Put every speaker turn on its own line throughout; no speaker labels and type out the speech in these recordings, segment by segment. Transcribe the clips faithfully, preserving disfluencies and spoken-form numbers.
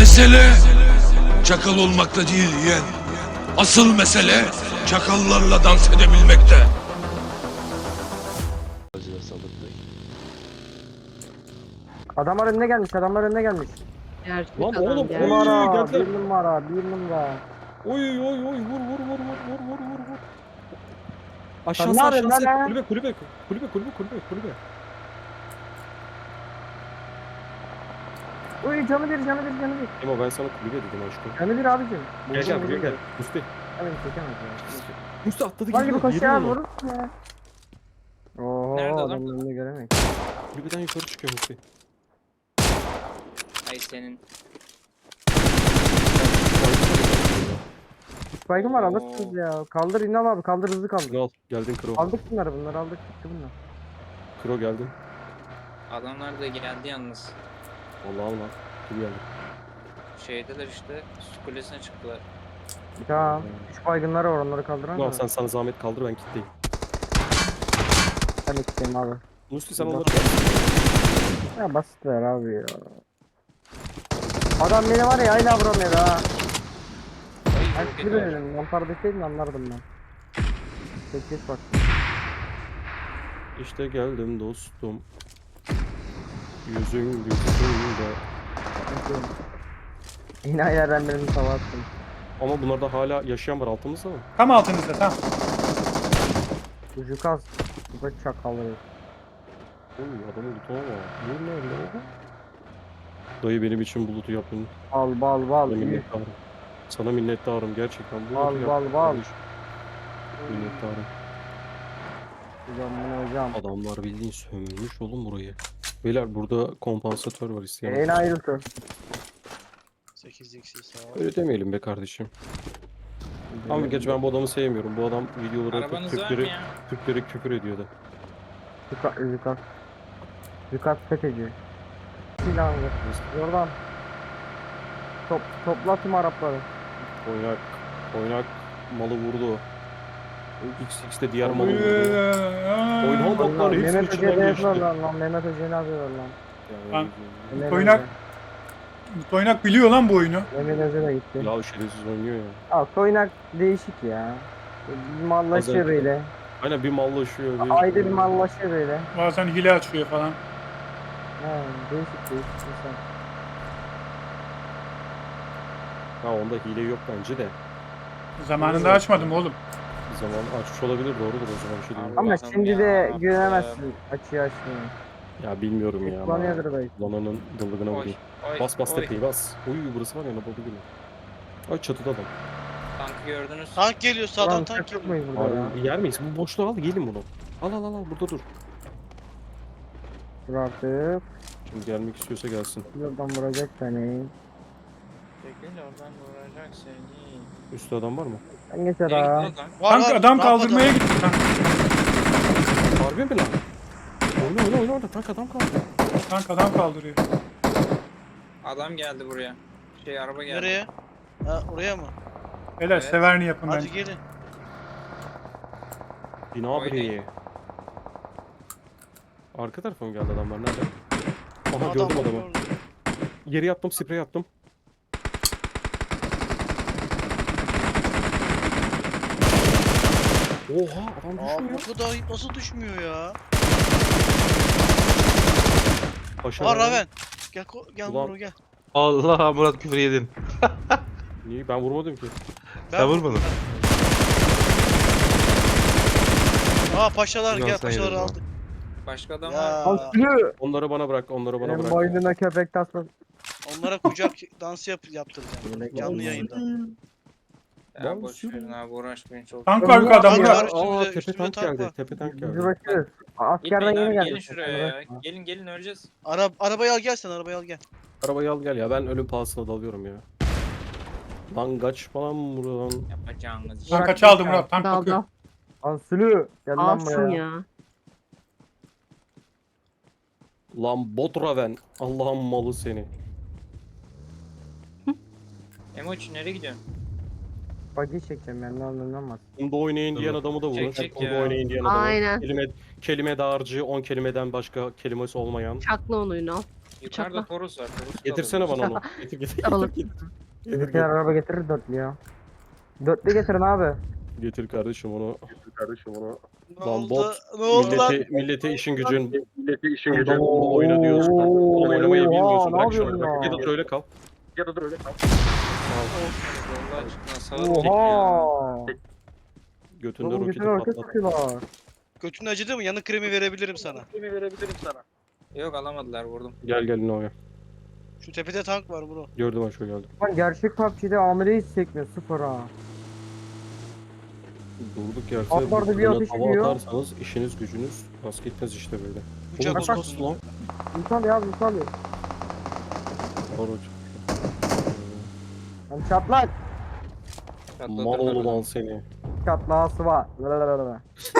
Mesele çakal olmakta değil yeğen. Asıl mesele çakallarla dans edebilmekte.
Adamlar önüne gelmiş, adamlar önüne gelmiş.
Gerçek
Lan
adam
oğlum,
geldi.
oy,
Numara,
geldiler.
bir numara, bir numara.
Oy oy oy vur vur vur vur vur vur vur vur.
Sen
Aşağısı
ne yapıyorsun
aşağısı
lan ha?
kulübe kulübe kulübe kulübe kulübe kulübe.
Uy canı bir, canı bir, canı bir.
Ama ben sana kulübe dedim aşkım.
Canı bir abicim.
Gel gel buraya gel. Musti.
Hemen çekemez ya.
Musti atladı
Lan gibi
gidiyor.
koşuyor
Yerim
abi
onu.
vurursun ya. Oho
Nerede adam?
adamın önünde göremek.
Kulübeden yukarı çıkıyor Musti.
Ay senin.
Baygın var
Oo.
alırsınız ya. Kaldır İnal abi kaldır hızlı kaldır.
Al geldin Kro.
Aldık bunları bunları aldık çıktı bunlar.
Kro geldin.
Adamlar da geldi yalnız.
Vallahi alma. Kim geldi?
Şeydeler işte. Su kulesine çıktılar.
Tamam. Üç baygınlar var onları kaldıran
Ulan
mı?
sen sana zahmet kaldır ben kitleyim.
Ben ikisiyim abi.
Musti sen
Burada.
onları gel.
Ya basit ver abi ya. Adam beni var ya hala vuramıyor ha.
Ay
Ben
çok
bir
kötü.
dedim. Mantar deseydin anlardım ben. Tek tek bak.
İşte geldim dostum. Yüzün yüzünde.
Yine ayardan birini tava attım.
Ama bunlarda hala yaşayan var altımızda mı?
Tam altınızda tam.
Ucu kas. Bu da çakalı.
Oy adamı lütfen ama. Ne ne ne? Dayı benim için bulutu yapın.
Bal bal bal.
Sana
Üf.
minnettarım. Sana minnettarım gerçekten. Bulutu
Bal,
yap.
bal, bal.
kardeş. Minnettarım.
Hocam bunu hocam.
Adamlar bildiğin sömürmüş oğlum burayı. Beyler burada kompansatör var isteyen.
En ayrıltı.
sekiz x sağ
Öyle demeyelim be kardeşim. Ama geç ben bu adamı sevmiyorum. Bu adam videoları atıp
Arabanız var mı
Türkleri,
ya?
Türkleri küfür ediyordu.
Yukat, yukat. Yukat FETÖ'cü. Silahlı. Oradan. Top, topla tüm Arapları.
Oynak, oynak malı vurdu. X X'te diğer malı
Oy,
vurdu.
aa.
Oynak baklar hepsini
Mehmet Hoca'ya
içinden
ne
geçti.
yapıyorlar lan? Mehmet Hoca'ya ne yapıyorlar lan?
Lan.
Mehmet
Oynak-
Hoca.
Toynak biliyor lan bu oyunu.
Mehmet Hoca da gitti.
Ya şerefsiz oynuyor ya.
Al Toynak değişik ya. Bir mallaşıyor
Bazen-
böyle.
Aynen bir mallaşıyor. Bir...
Ayda bir mallaşıyor böyle.
Bazen hile açıyor falan.
He değişik değişik insan.
Ha onda hile yok bence de.
Zamanında açmadım oğlum.
Bir zaman açmış olabilir doğrudur o zaman bir şey diyeyim.
Abi-
Ama
Allah'ım
şimdi
ya,
de
Rabbim.
güvenemezsin açıyor açmıyor.
Ya bilmiyorum ya.
Kullanıyordur belki.
Lananın dılgına
Oy.
vurayım.
Oy.
Bas bas
oy.
tepeyi bas. Uy burası var ya nabalı gibi. Ay çatıda adam.
Tankı gördünüz.
Tank geliyor sağdan
Ulan
tank
çok
geliyor.
muyuz burada ya?
Abi yer miyiz? Bu boşluğu al gelin bunu. Al al al al burada dur.
Dur artık.
Şimdi gelmek istiyorsa gelsin.
Buradan vuracak seni.
Çekil oradan vuracak seni.
Üstte adam var mı?
Sen geçer
Nereye
ha.
gitti lan?
Var,
Tank
var,
adam
rampada
kaldırmaya
var.
gitti tank.
Harbi mi lan? Oyna oyna oyna orada tank adam kaldı.
Tank adam kaldırıyor.
Adam geldi buraya. Şey araba geldi.
Nereye? Ha, oraya mı?
Helal
Evet.
severini yapın
Hadi
bence.
gelin.
Bina
Oynayın.
bireyi. Arka tarafa mı geldi adamlar nerede? Aha
Adam
gördüm
var,
adamı.
gördüm.
Yere yattım sprey attım. Oha adam
Aa,
düşmüyor.
bu kadar nasıl düşmüyor ya?
Paşa
Aa Raven. Gel ko- gel
Ulan.
Muro gel.
Allah Murat küfür yedin.
Niye ben vurmadım ki.
Ben
Sen vurmadın.
Aa paşalar
Ulan
gel
sen
paşaları
yedin
aldık.
Başka adam
Ya.
var.
Al sülü.
Onları bana bırak, onları bana
Benim
bırak.
boynuna köpek tasması.
Onlara kucak dansı yap yaptıracağım.
Böyle
Canlı
geldi.
yayında.
Ya
Ben
boş
sürüyorum.
verin abi uğraşmayın çok.
Tank var yukarıda
Tank
Murat.
var. üstümüzde-
Aa tepe
üstümüzde
tank
tank
geldi,
var.
tepe tank
Bizi
geldi.
bakıyoruz. Askerden
Gitmeyin
yeni
abi,
geldi.
gelin şuraya ya. Gelin gelin öleceğiz.
Ara arabayı al gel sen arabayı al gel.
Arabayı al gel ya, ben ölüm pahasına dalıyorum ya. Lan kaç falan buradan.
Yapacağınız iş.
Tank kaçı aldı Murat. Tank
Dal
bakıyor.
dal.
Al sülü. Gel lan
Alsın
buraya.
ya.
Lan bot Raven. Allah'ın malı seni.
Emoç nereye gidiyorsun?
Bagi çekeceğim ben ne anlamaz.
Bunda oynayın diyen adamı da vurun.
Çekecek
Bunda
ya.
oynayın diyen adamı.
Aynen.
Kelime, kelime dağarcığı on kelimeden başka kelimesi olmayan.
Çakla onu Ünal.
Yukarıda
Bıçakla.
Toros var. Toros'u da
Getirsene
alırız.
bana onu. Getir getir
Alın.
getir. getir.
Bizimkiler araba getirir dörtlü ya. Dörtlü getirin abi.
Getir kardeşim onu. Kardeşim onu.
Ne
Lan
oldu?
bot,
Ne oldu lan?
Millete, millete işin gücün. Millete işin
Oo,
gücün. Oyna diyorsun. Oğlum oynamayı
oha,
bilmiyorsun.
ne
Bırak şunu.
yapıyorsun
Bırak.
ya?
Ya da dur öyle kal. Ya da dur öyle kal.
Allah aşkına sağa dön ya.
Oha.
Götünde
Oğlum
roketi
götüne roket
patlat.
sıkıyorlar.
Götün acıdı mı? Yanık kremi verebilirim sana.
Yok alamadılar vurdum.
Gel gel Noya.
Şu tepede tank var bro.
Gördüm aşağı geldim.
Lan gerçek P U B G'de amire hiç sekmiyor sıfır ha.
Durduk yerde
Alt barda
bu
bir
kadına
ateş
tava
ediyor.
atarsanız işiniz gücünüz rast gitmez işte böyle.
Uçak
Oğlum
bak-
nasıl lan?
İnsan ya insan ya.
Doğru.
Lan çatlak.
Çatladı.
Mal oğlu lan seni.
Çatlağısı var. Lalalala.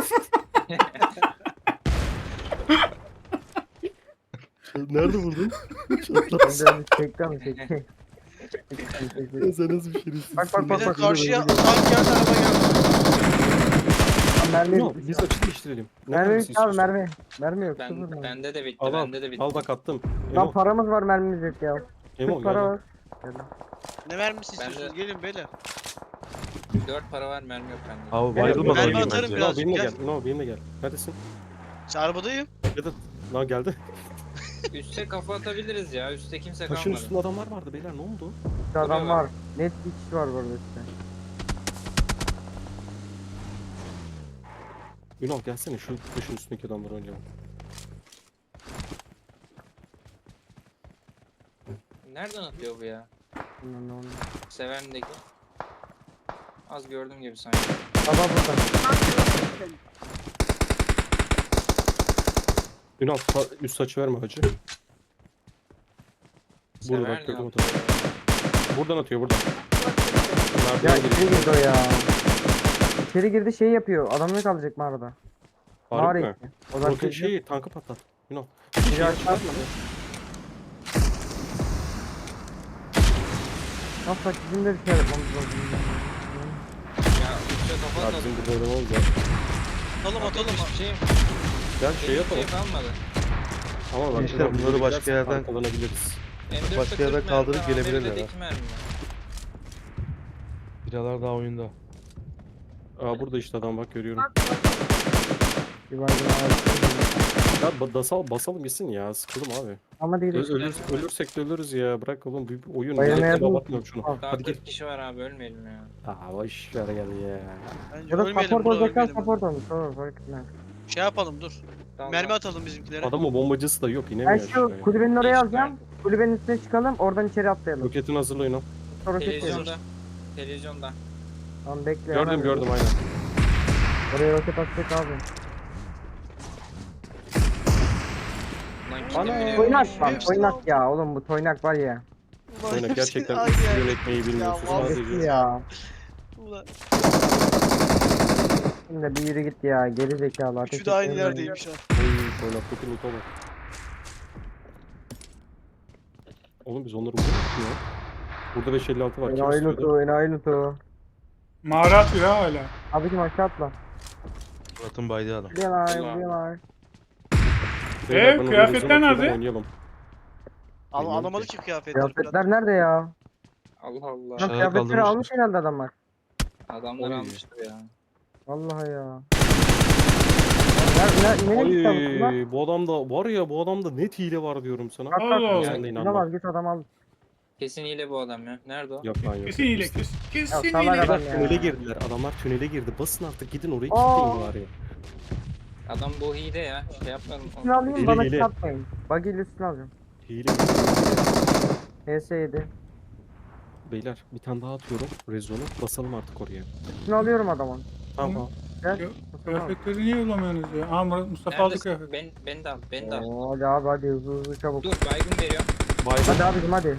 Nerede vurdun?
Ben de bir çekti ama çekti.
Sen nasıl bir şerefsizsin?
Bak bak
Bir
bak
de
bak.
karşıya tank geldi araba geldi.
Mermi
Yok, biz açı değiştirelim. Ne
Mermi
mermisi
bitti abi
istiyorsun?
mermi. Mermi yok.
Ben,
sıfır mermi.
bende de bitti.
Al al.
Bende de bitti.
Al bak attım.
Lan
Emo,
paramız var mermimiz yok ya.
Emo
Kırk para
gel.
var.
Ne mermisi
Ben de-
istiyorsunuz? Gelin beyler.
dört para var mermi yok bende.
Abi
Mermi
bayılmadan
atarım
oynayayım bence.
biraz.
No benimle
gel.
gel. No benimle gel. Neredesin?
Sen arabadayım.
Ya da lan geldi.
Üste kafa atabiliriz ya. Üste kimse
Taşın
kalmadı.
üstünde adamlar vardı beyler ne oldu?
Bir adam
Buraya
var.
bak.
Net bir kişi var burada işte.
Ünal gelsene şu taşın üstündeki adamları oynayalım.
Nereden atıyor bu ya?
Bilmem ne oldu.
Seven'deki. Az gördüm gibi sanki.
Adam burada.
Ünal ta- üst saçı verme hacı. Burada
Sever
bak
ne
gördüm
yapıyor?
adamı. Buradan atıyor buradan.
Ya
Merdivene
içeri
giriyor.
girdi o ya. İçeri girdi şey yapıyor. Adamını kalacak mağarada. Mağara
Harbi mi?
içi. O zaman
Roket
şey...
şeyi tankı patlat. Ünal.
Biri
Şey
aşağı
çıkartma.
atladı. Nasıl bak bizim de bir şey yapmamız lazım.
Ya üste kafa
Ya
atladım.
bizim burada oynamamız ya.
Atalım atalım.
Hiçbir şey,
Gel şey
hiçbir
yapalım.
şey kalmadı.
Ama bak
İşte
Ünal,
bunları
böyle
başka
gidersen
yerden-
arkalanabiliriz.
M dörtte
Başka
kırk
yerden
mermi
kaldırıp
var,
gelebilirler
M birde
ha.
iki mermi var.
Biralar daha oyunda.
Aa burada işte adam bak görüyorum.
Bir baygın ağaç.
Ya ba- basal, basalım gitsin ya sıkıldım abi.
Ama değil.
Ö- ölür, ölürsek de ölürüz ya bırak oğlum bir bir oyun.
Bayılmaya
Millete
dur.
bakmıyorum şunu.
Al.
Daha
Hadi
kırk
git.
kişi var abi ölmeyelim ya.
Aa boş ver gel ya.
Bence
Ya da
ölmeyelim
support
bro
olacaklar
ölmeyelim.
support olmuş. Olur fark etmez.
Şey yapalım dur.
Tamam.
Mermi atalım bizimkilere.
Adamın bombacısı da yok
Ben
inemiyor
şu
aşağıya.
kulübenin oraya
Değişik
alacağım. Kulübenin üstüne çıkalım. Oradan içeri atlayalım.
Roketini hazırlayın o.
Sonra roket koyalım.
Televizyonda. Televizyonda.
Tamam bekle.
Gördüm
hemen.
gördüm aynen.
Oraya roket atacak abi.
Lan
Ana
kim biliyor?
toynak lan
Hepsini
toynak
aldım.
ya oğlum bu toynak var ya.
Ulan
Oynak
hepsini
gerçekten
aynı
üstü
yer.
yönetmeyi bilmiyorsun
vallahi
Abi
sadece.
ya.
Ulan
Şimdi bir yürü git ya geri zekalı. ateş
üçü de aynı
etmeyin.
yerdeymiş ha.
Oy oynaktaki loot'a bak. Oğlum biz onları vuruyor mu ya? Burada beş elli altı var. Kim
Enayi
istiyordu?
lutu enayi lutu.
Mağara atıyor ha hala.
Abicim aşağı atla.
Murat'ın baydığı adam.
Vuruyorlar
Ulan.
vuruyorlar.
Beyler, ben oraya
kıyafetler
rezon atıyorum,
nerede?
Oynayalım.
Al,
Bilmiyorum
alamadı
ki.
ki kıyafetleri.
Kıyafetler nerede ya?
Allah Allah.
Lan
Aşağıya
kıyafetleri
kaldırmışlar.
almış herhalde adamlar.
Adamlar
Oy.
almıştır ya.
Vallahi ya. Ne, ne, ne gitti abi bunlar?
Ay bu adamda var ya bu adamda net hile var diyorum sana.
Allah
Kalk kalk.
Allah.
Sen de inanma.
İnanamaz git adam al.
Kesin hile bu adam ya. Nerede o?
Yok lan yok.
Kesin hile kesin.
Ya
Kesin
salak
hile.
adam
Adamlar
ya.
tünele girdiler. Adamlar tünele girdi. Basın artık gidin orayı
Aa.
kilitleyin bari.
Adam bu hile ya. Şey yapmayalım.
Üstünü alayım
Hile,
bana
hile.
çarpmayın. Buggy ile üstünü alacağım.
Hile.
H S yedi.
Beyler bir tane daha atıyorum. Rezonu. Basalım artık oraya.
Üstünü alıyorum adamın.
Tamam.
Gel.
Yok, Kıyafetleri niye bulamıyorsunuz ya? Aa Murat Mustafa aldı
Neredesin?
kıyafet.
Ben, ben de al. Ben de al.
Oo, hadi abi hadi hızlı hızlı çabuk.
Dur baygın veriyorum.
Baygın.
Hadi abicim hadi.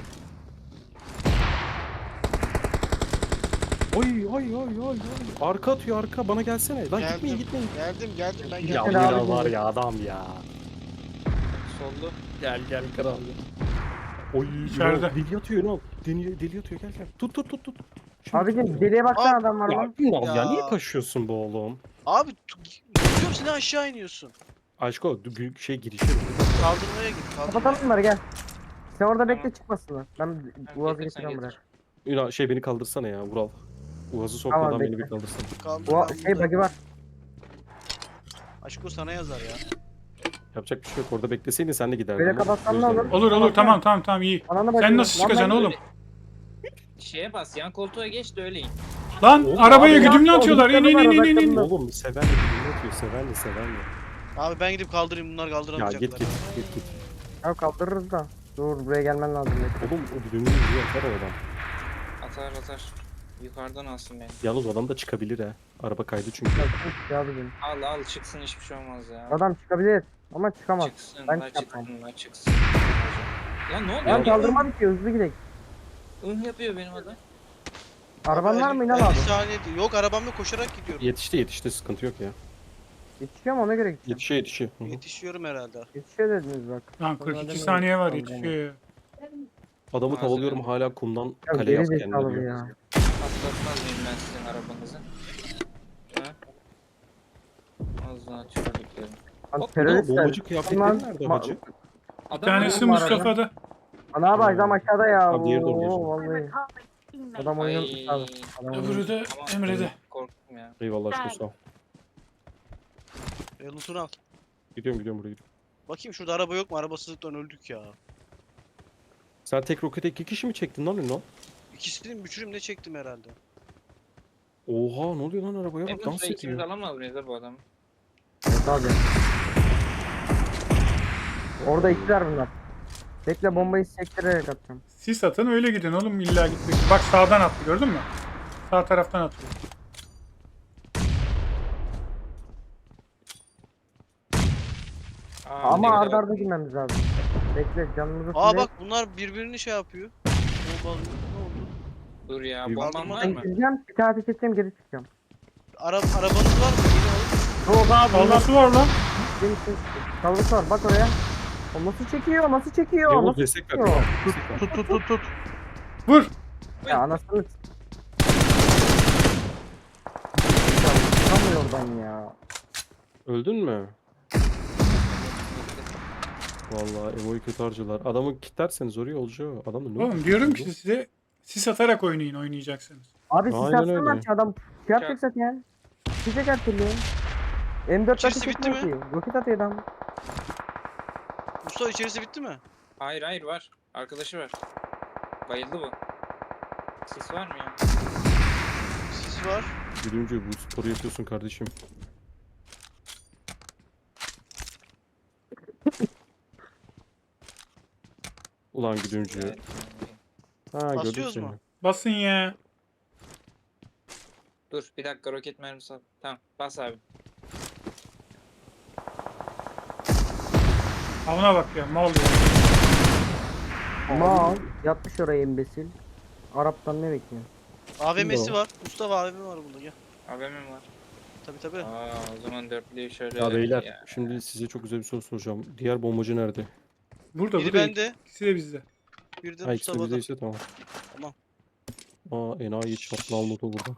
Oy oy oy oy oy. Arka atıyor arka. Bana gelsene. Lan
Geldim.
gitmeyin gitmeyin.
Geldim geldim ben
Ya
geldim.
Gel
Ünal
abi.
var ya adam ya.
Soldu.
Gel gel kral. Oy
İçeride.
Ünal deli atıyor Ünal. Deli, deli atıyor gel gel. Tut tut tut tut. Şimdi
Abicim
tut.
deliye baksana
Aa,
adam var
Ya
lan.
Ünal ya.
Ya.
niye kaçıyorsun bu oğlum?
Abi tutuyorum seni aşağı iniyorsun.
Aşko du- büyük şey girişi.
Kaldırmaya git. Kaldırmaya.
Kapatalım bunları gel. Sen orada
Tamam.
bekle çıkmasınlar. Ben
Tamam,
Uaz'ı
getir, sen
getireceğim buraya.
getir.
Ünal şey beni kaldırsana ya Vural. Uaz'ı sokmadan
Tamam,
beni
bekle.
bir kaldırsana.
Kaldır
Ua
ben
şey
buradayım.
bug'i var.
Aşko sana yazar ya.
Yapacak bir şey yok. Orada bekleseydin sen de giderdin.
Böyle
ama
kapatsan ne
gözlerim-
olur?
Olur olur
Tamam,
tamam tamam tamam iyi.
Ananı
Sen
bacını-
nasıl
Lan
çıkacaksın
ben-
oğlum?
Şeye bas, yan koltuğa geç de öyle in.
Lan
Oğlum,
arabaya
abi,
güdümle
ya,
atıyorlar. İn in in in in in.
Oğlum seven de birini atıyor. Seven de seven de.
Abi ben gidip kaldırayım bunlar
Ya
kaldıramayacaklar.
git git git git.
Ya kaldırırız da. Dur buraya gelmen lazım. bekle.
Oğlum o birini vuruyor atar o adam.
Atar atar. Yukarıdan alsın beni.
Yalnız o adam da çıkabilir ha. Araba kaydı çünkü.
Ya, çık ya bugün.
Al al çıksın, hiçbir şey olmaz ya.
Adam çıkabilir ama çıkamaz.
Çıksın,
Ben
la
çıkamam.
çıksın, la çıksın. Lan ne oluyor?
Ben
Ya,
kaldırmam ki hızlı gidelim.
ın yapıyor benim adam.
Araban var mı İnan
elli
abi?
saniye değil. Yok arabamla koşarak gidiyorum.
Yetişti yetişti sıkıntı yok ya.
Yetişiyor mu ona göre gideceğim.
Yetişiyor yetişiyor. Hı hı.
Yetişiyorum herhalde.
Yetişiyor dediniz bak.
Lan kırk iki saniye var yetişiyor ya.
Adamı
Malzeme.
tavalıyorum hala kumdan
Ya
kale
geri
yaptı kendine
zekalı bu
diyor.
ya.
Patlatmaz mıyım ben sizin arabanızı? Ha? Az daha çocuklarım.
Lan
Hop,
teröristler.
Bombacı kıyafetleri
Lan,
nerede
ma-
hacı?
Bir tanesi
Adam-
Mustafa'da.
Ana abi adam aşağıda ya.
Abi diğeri de orada
Oo,
yaşıyor.
vallahi. Adam oyunu
Ay.
abi. Adam oyunu-
Öbürü de
Tamam,
Emre'de.
korktum ya.
Eyvallah aşkına sağ ol.
E, lootunu al.
Gidiyorum gidiyorum buraya gidiyorum.
Bakayım şurada araba yok mu? Arabasızlıktan öldük ya.
Sen tek rokete iki kişi mi çektin lan Ünal?
İkisini üçünü ne çektim herhalde.
Oha ne oluyor lan arabaya
En
bak dans
fazla ikimiz
ediyor.
alamaz mıyız da bu adamı?
Evet abi. Orada ikiler bunlar. Bekle bombayı sektirerek atacağım.
Sis atın öyle gidin oğlum illa gitmek. Bak sağdan attı gördün mü? Sağ taraftan atıyor.
Aa, ne
Ama
güzel
arda arda
bak.
girmemiz lazım. Bekle canımızı
Aa
fulle-
bak bunlar birbirini şey yapıyor. Bombalıyor. Ne oldu?
Dur ya,
Bir-
bomban var
Ben
mı?
gireceğim, bir tane ateş edeceğim, geri çıkacağım.
Ara arabanız var mı? Yine alın.
Yok abi bunlar
Fazlası var lan.
benim için. Çalgısı var, bak oraya. O nasıl çekiyor, nasıl çekiyor,
Yavuz
nasıl
destek ver.
çekiyor?
Destek ver.
Tut tut tut tut.
Vur.
Ya anasını s- Ya, çıkamıyor oradan ya.
Öldün mü? Vallahi Evo'yu kötü harcılar. Adamı kilitlerseniz oraya olacağı. Adam da ne
Oğlum
oldu?
diyorum ki size sis atarak oynayın oynayacaksınız.
Abi siz
Aynen
atsana
öyle.
ki adam şey yapacak zaten. Çıkacak her türlü. M dört
İçerisi
ateş
bitti
etmiyor ki. Roket atıyor adam.
Mustafa içerisi bitti mi?
Hayır hayır var. Arkadaşı var. Bayıldı bu. Sis var mı ya?
Sis var.
Gülüncü bu sporu yapıyorsun kardeşim. Ulan Gülüncü.
Evet.
Ha gördüm
Basıyoruz
seni.
mu?
Basın ya.
Dur bir dakika, roket mermisi al. Tamam bas abi.
Avına bak ya mal ya.
Mal yatmış oraya imbesil. Arap'tan ne bekliyor?
A V M'si
Kimdi o?
var. Mustafa A V M var bunda gel.
A V M var.
Tabi tabi.
Aa, o zaman dörtlüyü şöyle.
Ya beyler
ya.
şimdi size çok güzel bir soru soracağım. Diğer bombacı nerede?
Burada
Biri
burada.
bende.
İkisi de bizde.
Bir de
Ha ikisi de
Mustafa'da.
bizdeyse tamam.
Tamam.
Aa enayi çatlı almadı burada.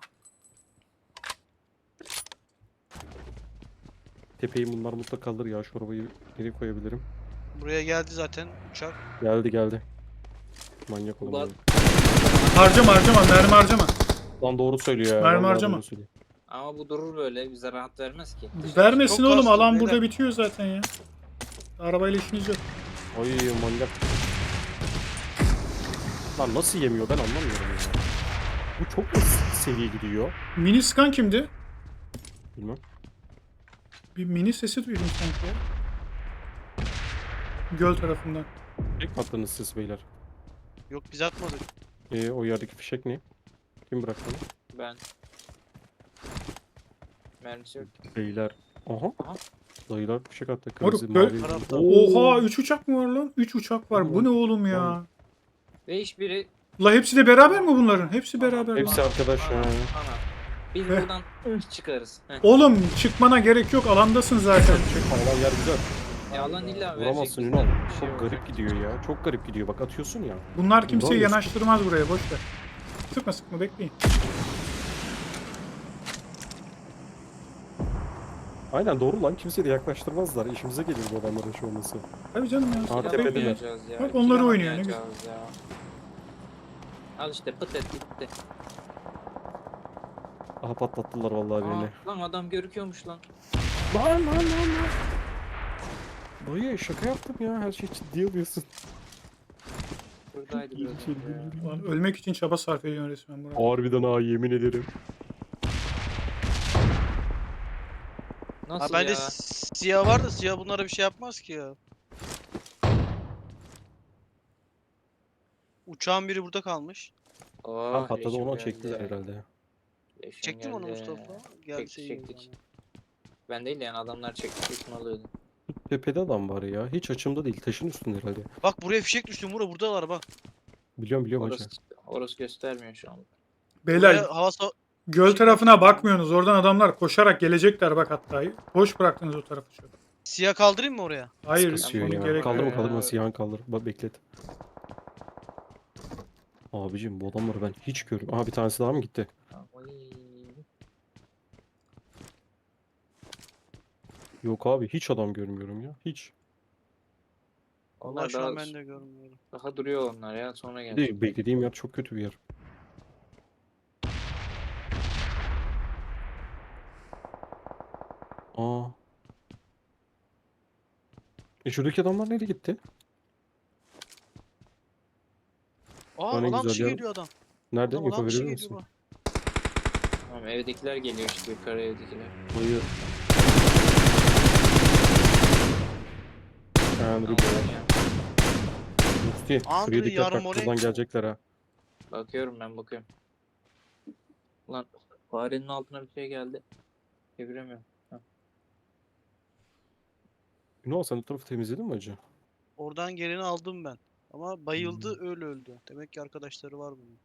Tepeyi bunlar mutlaka kaldır ya şu arabayı nereye koyabilirim?
Buraya geldi zaten uçak.
Geldi geldi. Manyak
Ulan.
olan.
Harcama harcama mermi harcama.
Lan doğru söylüyor ya.
Mermi
vallahi
harcama.
doğru söylüyor.
Ama bu durur böyle, bize rahat vermez ki.
Vermesin
Çok
oğlum
kastım,
alan
beyler.
burada bitiyor zaten ya. Arabayla işiniz yok.
Ay manyak. Lan nasıl yemiyor ben anlamıyorum ya. Bu çok mu seviye gidiyor?
Mini scan kimdi?
Bilmem.
Bir mini sesi duydum sanki ya. Göl tarafından.
Tek mi attınız siz beyler?
Yok biz atmadık.
Ee, o yerdeki fişek ne? Kim bıraktı onu?
Ben. Mermisi yok.
Beyler. Aha.
Aha.
Dayılar fişek attı.
Moruk,
Kırmızı,
böyle-
mavi.
Tarafta.
Oha üç uçak mı var lan? üç uçak var. Bu ne oğlum ya?
Ve hiçbiri...
La hepsi de beraber mi bunların? Hepsi beraber. mi?
Hepsi arkadaş
Ana,
ya.
ana. Biz
Heh.
buradan ıh çıkarız. Heh.
Oğlum çıkmana gerek yok. Alandasın zaten.
Çek Allah yer güzel.
Ya Allah illa verecek.
Vuramazsın
bizden
Ünal.
bir şey
Çok
olacak.
garip gidiyor ya. Çok garip gidiyor. Bak atıyorsun ya.
Bunlar kimseyi
Doğru.
yanaştırmaz buraya. Boş ver. Sıkma sıkma bekleyin.
Aynen doğru lan. Kimse de yaklaştırmazlar. İşimize gelir bu adamların şu olması.
Tabii canım ya.
Aa,
Kill
tepedeler.
alamayacağız ya.
Bak
kill
onları oynuyor, ne
alamayacağız ya. Al işte pıt et gitti.
Aha patlattılar vallahi birini.
Aa, lan adam görüküyormuş lan.
Lan lan lan lan. Dayı şaka yaptım ya. Her şey ciddiye alıyorsun.
Buradaydı biraz
şey
önce ya.
Ulan ölmek için çaba sarf ediyorsun resmen Murat.
Harbiden ha yemin ederim.
Nasıl
Ha bende
ya?
siyah var da siyah bunlara bir şey yapmaz ki ya. Uçağın biri burada kalmış.
Oh,
Ha patladı
leşim
onu
geldi.
çektiler herhalde.
Leşim
Çektin mi onu
geldi.
Mustafa? Geldi
Çektik,
şey
çektik.
geldi
Ben değil yani adamlar çekti üstüne alıyordu.
Tepede adam var ya. Hiç açımda değil. Taşın üstünde herhalde.
bana. Bak buraya fişek düştü Mura, buradalar bak.
Biliyorum biliyorum hacı.
Orası, orası göstermiyor şu an.
Beyler
Buraya hava sa-
göl tarafına bakmıyorsunuz. Oradan adamlar koşarak gelecekler bak hatta. Boş bıraktınız o tarafı çok.
Siyah kaldırayım mı oraya?
Hayır
Kasıyor
şimdi
ya.
gerek
Kaldırma
yok.
kaldırma
Ya.
siyahın kaldır. Bak beklet. Abicim bu adamları ben hiç görmüyorum. Aha bir tanesi daha mı gitti?
Oy.
Yok abi hiç adam görmüyorum ya. Hiç.
Allah
Onlar
şu an
daha,
ben de görmüyorum.
daha duruyor onlar ya sonra
Bir
gelecek.
de beklediğim yer çok kötü bir yer. Aa. E şuradaki adamlar nereye gitti?
Aa
Bana
adam
güzel
dışı
yer-
geliyor adam.
Nerede?
Adam,
Info
adam dışı
verir
geliyor
misin?
bak.
Tamam evdekiler geliyor işte yukarı evdekiler.
Hayır. Andrew
Tamam,
Gray.
ya.
Musti.
Andrew
Şuraya dikkat bak.
Yarmolenko.
Buradan gelecekler ha.
Bakıyorum ben bakıyorum. Ulan farenin altına bir şey geldi. Çeviremiyorum.
Ünal sen o tarafı temizledin mi hacı?
Oradan geleni aldım ben. Ama bayıldı öyle öldü. Demek ki arkadaşları var bunun.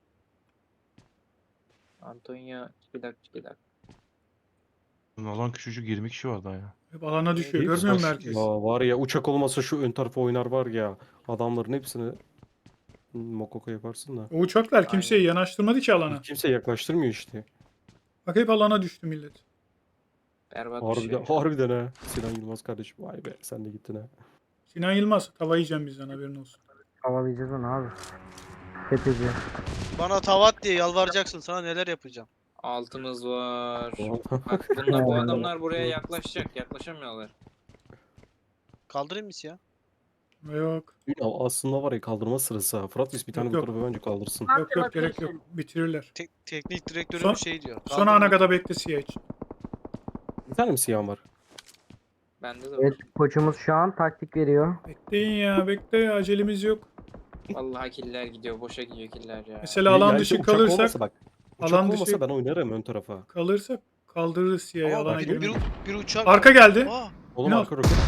Antonio çikilak çikilak.
Alan küçücük yirmi kişi var daha ya.
Hep alana düşüyor.
Hepsi
Görmüyor musun
baş-
herkes?
Ya var ya uçak olmasa şu ön tarafa oynar var ya. Adamların hepsini mokoko yaparsın da.
O uçaklar kimseyi yanaştırmadı ki alana.
Kimse yaklaştırmıyor işte.
Bak hep alana düştü millet.
Berbat bir
Harbiden,
şey.
harbiden ha. Sinan Yılmaz kardeşim vay be sen de gittin ha.
Sinan Yılmaz tava yiyeceğim bizden haberin olsun.
Havalayacağız onu abi. Tepeci.
Bana tavat diye yalvaracaksın, sana neler yapacağım.
Altımız var.
Oha.
Bak bunlar, bu adamlar buraya yaklaşacak. Yaklaşamıyorlar.
Kaldırayım mı siyah?
Yok.
Ya aslında var ya kaldırma sırası ha. Fırat bir tane
Yok,
bu
yok.
tarafa bence kaldırsın.
Yok yok gerek yok. Bitirirler.
Tek, teknik direktörü
Son-
bir şey diyor.
Son ana kadar bekle siyah için.
Bir tane mi siyah var?
Bende de
Evet
var.
koçumuz şu an taktik veriyor.
Bekleyin ya bekle ya acelemiz yok.
Vallahi killer gidiyor. Boşa gidiyor killer ya.
Mesela
Ya-
alan
yani
dışı
uçak
kalırsak
olmasa bak. Uçak
alan
olmasa
dışı-
ben oynarım ön tarafa.
kalırsak kaldırırız siyahı
Ama
alana
bir, bir,
girmeyin.
bir uçak
Arka
var.
geldi.
Aa,
Oğlum
Ne
arka roket.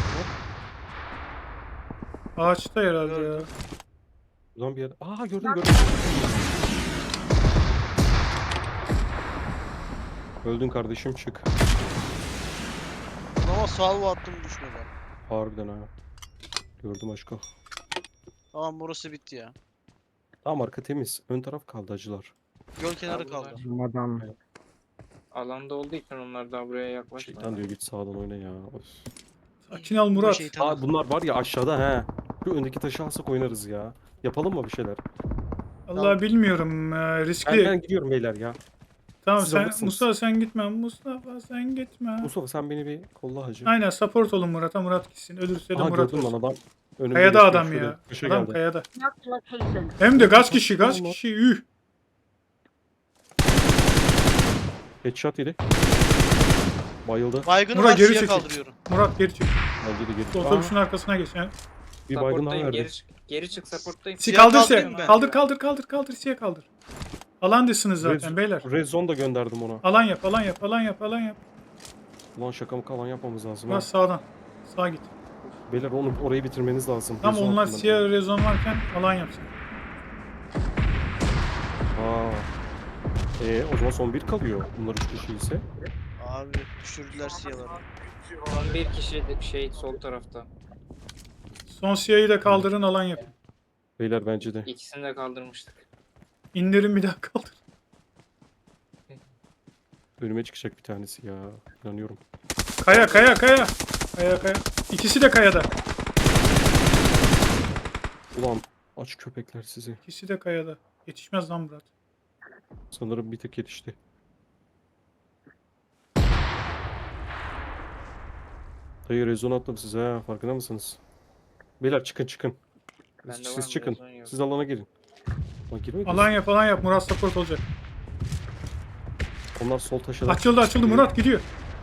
Ağaçta herhalde ya.
Gördüm.
Ulan bir yer. Aa gördüm gördüm. Öldün kardeşim çık.
ama salvo attım düşmedi.
Harbiden ha. Gördüm aşkım.
Tamam burası bitti ya.
Tamam arka temiz. Ön taraf kaldı acılar.
Göl kenarı
Kaldılar.
kaldı.
Bu adam.
Alanda olduğu için onlar daha buraya yaklaşmıyor.
Şeytan diyor git sağdan oyna ya. Of.
Sakin ol
Bu
Murat.
şeytan-
Aa bunlar var ya aşağıda he. Şu öndeki taşı alsak oynarız ya. Yapalım mı bir şeyler?
Allah bilmiyorum ee,
Ben,
riskli.
ben gidiyorum beyler ya.
Tamam
siz
sen
alırsınız.
Mustafa sen gitme. Mustafa sen gitme.
Mustafa sen beni bir kolla hacı.
Aynen support olun Murat'a. Murat gitsin. Ölürse de
Aha
Murat
gördüm lan
olsun.
adam. Önümde
Kayada
geçiyor,
adam
şöyle
ya.
taşa
Adam
geldi.
kayada. Hem de kaç kişi kaç kişi. Üh.
Headshot yedi. Bayıldı.
Baygını
Murat
var,
geri
siyah
çekil.
kaldırıyorum.
Murat geri çık.
Bence de geri.
Otobüsün
Aa,
arkasına geç. Yani.
bir baygın daha
Supporttayım,
verdi.
Geri, çık- geri çık supporttayım.
Si
Siyah
kaldır
kaldırayım
se.
ben.
Kaldır kaldır kaldır kaldır siye kaldır. Alan dışsınız zaten
Red-
beyler.
Red Zone da gönderdim ona.
Alan yap alan yap alan yap alan yap.
Ulan şaka mı kalan yapmamız lazım ha.
Murat sağdan. Sağa git.
Beyler onu orayı bitirmeniz lazım.
Tam
Red Zone
onlar
hakkında.
siyah rezon varken alan yapsın.
Aa. Ee, o zaman son bir kalıyor. Bunlar üç kişi ise.
Abi düşürdüler siyahları.
Son bir kişi de şey sol tarafta.
Son siyahı da kaldırın alan yapın.
Beyler bence de.
İkisini de kaldırmıştık.
İndirin bir daha kaldır.
Önüme çıkacak bir tanesi ya. İnanıyorum.
Kaya kaya kaya. Kaya kaya. İkisi de kayada.
Ulan aç köpekler sizi.
İkisi de kayada. Yetişmez lan Murat.
Sanırım bir tık yetişti. Dayı rezon attım size ha, farkında mısınız? Beyler çıkın çıkın.
Bende var
Siz
mı?
çıkın.
Rezon yok.
Siz alana girin. Lan girmeyin.
Alan yap alan yap. Murat support olacak.
Onlar sol taşa da-
Açıldı açıldı Murat gidiyor.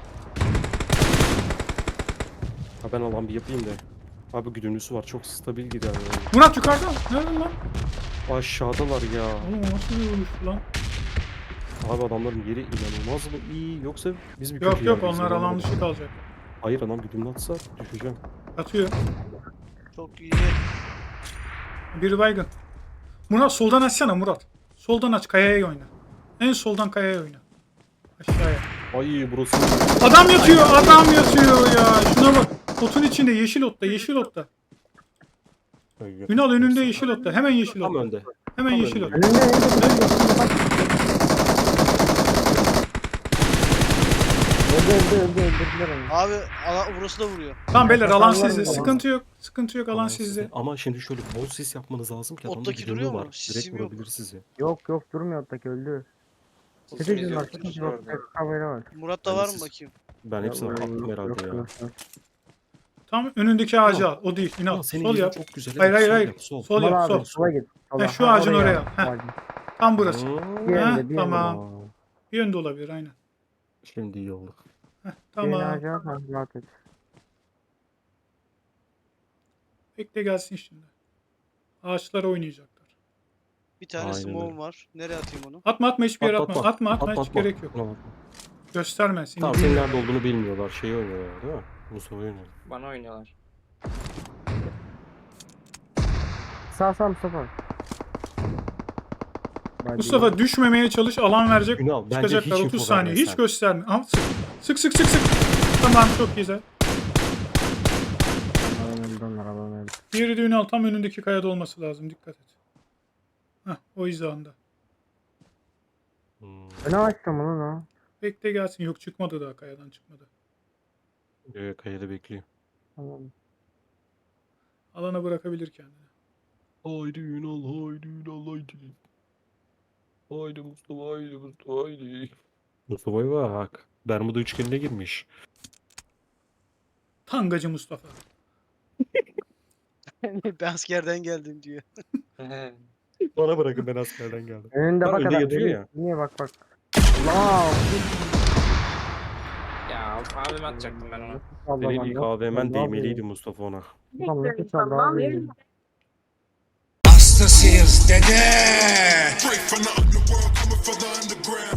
Ha ben alan bir yapayım da. Abi güdümlüsü var, çok stabil gider yani.
Murat yukarıda. Nerede lan?
Aşağıdalar ya.
Oğlum o nasıl bir vuruş lan?
Abi adamların yeri inanılmaz mı iyi, yoksa biz bir
Yok
kötü
yok
yerdeyiz,
onlar alan
inanamadım.
dışı kalacak.
Hayır, adam güdümlü atsa düşeceğim.
Atıyor.
Çok iyi.
Biri baygın. Murat soldan açsana Murat. Soldan aç kayaya oyna. En soldan kayaya oyna. Aşağıya.
Ay burası.
Adam yatıyor adam yatıyor ya. Şuna bak. Otun içinde yeşil otta yeşil otta. Ünal önünde yeşil otta. Hemen yeşil
Tam
otta.
önde.
Hemen
tam
yeşil
önde.
otta.
Önünde önünde. Öldü öldü öldü öldürdüler onu.
Abi ala, burası da vuruyor.
Tamam beyler alan
Kafalar
sizde.
mı?
Sıkıntı yok. Sıkıntı yok alan
Alan
sizde.
sizde. Ama şimdi şöyle bol sis yapmanız lazım ki adamda
Ottaki
güdümlü
duruyor mu?
var. Direkt
Sisim yok.
vurabilir sizi.
Yok yok durmuyor ottaki öldü.
Sesimiz
Sıkıcı
yok,
var
sesimiz
sıkıcı
orada.
yok. Havayla var.
Murat'ta
Ben
var
siz-
mı bakayım?
Ben hepsini
Yok,
attım
yok,
herhalde
yok,
ya.
yok, yok.
Tam önündeki ağacı al. O değil. Ünal.
Aa, senin
Sol
yerin
yap.
çok güzel.
Hayır,
evet,
hayır,
sol
hayır.
yap, Sol.
Sol yap.
Sola
Sol.
abi sola git. Sola.
Ha, şu
Ha,
ağacın
oraya
oraya al.
al.
Ha. Tam burası.
Hmm.
Bir
Ha,
yönde bir
tamam.
yönde.
Aa,
Bir yönde olabilir aynen.
Şimdi iyi oldu.
Heh,
Tamam.
tamam.
Rahat et.
Bekle gelsin şimdi. Ağaçlara oynayacaklar.
Bir tane
Aynen
smoke'um
öyle.
var. Nereye atayım onu?
Atma atma hiçbir yere atma.
Atma,
Atma atma,
Atma,
hiç
atma.
gerek yok.
Tamam.
Gösterme seni.
Tamam, senin
bilmiyor.
nerede olduğunu bilmiyorlar. Şeyi oynuyorlar değil mi? Mustafa oynuyor.
Bana oynuyorlar.
Sağ sağ Mustafa. Hadi.
Mustafa düşmemeye çalış alan verecek.
Ünal, bence
Çıkacaklar
hiç
otuz
info
saniye.
verme
Hiç
sen.
gösterme. Al, sık. Sık sık sık sık. Tamam çok güzel.
Alan öldü onlar alan öldü.
Diğeri de Ünal tam önündeki kayada olması lazım. Dikkat et. Heh, o hizanda.
Hmm.
Öne açtım onu lan.
Bekle gelsin. Yok çıkmadı daha kayadan çıkmadı.
Ee, kayada bekliyor.
Tamam.
Alana bırakabilir kendini.
Haydi Ünal, haydi Ünal, haydi. Haydi Mustafa, haydi Mustafa, haydi. Mustafa'ya bak. Bermuda üçgenine girmiş.
Tangacı Mustafa.
Ben askerden geldim diyor.
Bana bırakın, ben askerden geldim.
Önünde
Lan
bak
önde
adam.
yatıyor
Niye-
ya.
Niye bak bak. Allah.
Ya abim atacaktım ben ona.
Allah
Senin
Allah.
ilk A V M'en
Allah
değmeliydi Mustafa ona.
Allah nasıl çaldı abi?
Hastasıyız dede.
Straight from the underworld, coming for the underground.